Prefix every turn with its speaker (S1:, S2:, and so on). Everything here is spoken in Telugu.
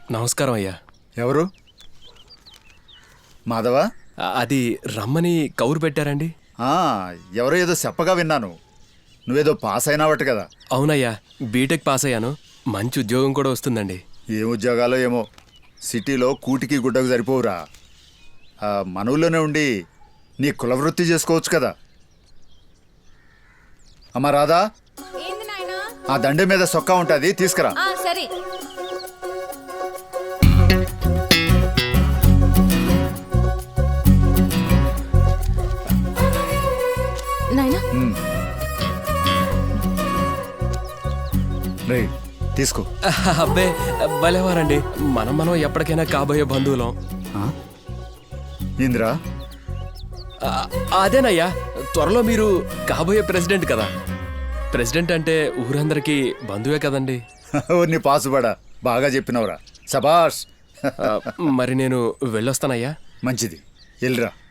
S1: నమస్కారం అయ్యా.
S2: ఎవరు? మాధవ?
S1: అది రమ్మని కౌరు పెట్టారండి.
S2: ఎవరో ఏదో చెప్పగా విన్నాను. నువ్వేదో పాస్ అయినావట కదా?
S1: అవునయ్యా, బీటెక్ పాస్ అయ్యాను. మంచి ఉద్యోగం కూడా వస్తుందండి.
S2: ఏం ఉద్యోగాలో ఏమో, సిటీలో కూటికి గుడ్డకు సరిపోవురా. మన ఊళ్ళోనే ఉండి నీ కులవృత్తి చేసుకోవచ్చు కదా. అమ్మా రాధా, ఆ దండె మీద సొక్కా ఉంటుంది, తీసుకురా.
S3: సరే. నాయనా
S2: రే తీసుకో.
S1: అబ్బే భలేవారండి. మనం ఎప్పటికైనా కాబోయే బంధువులం.
S2: ఇంద్రా,
S1: అదేనయ్యా, త్వరలో మీరు కాబోయే ప్రెసిడెంట్ కదా. ప్రెసిడెంట్ అంటే ఊరందరికీ బంధువే కదండి.
S2: నీ పాసుబడా బాగా చెప్పినవురా, శబాష్.
S1: మరి నేను వెళ్ళొస్తానయ్యా.
S2: మంచిది, వెళ్ళిరా.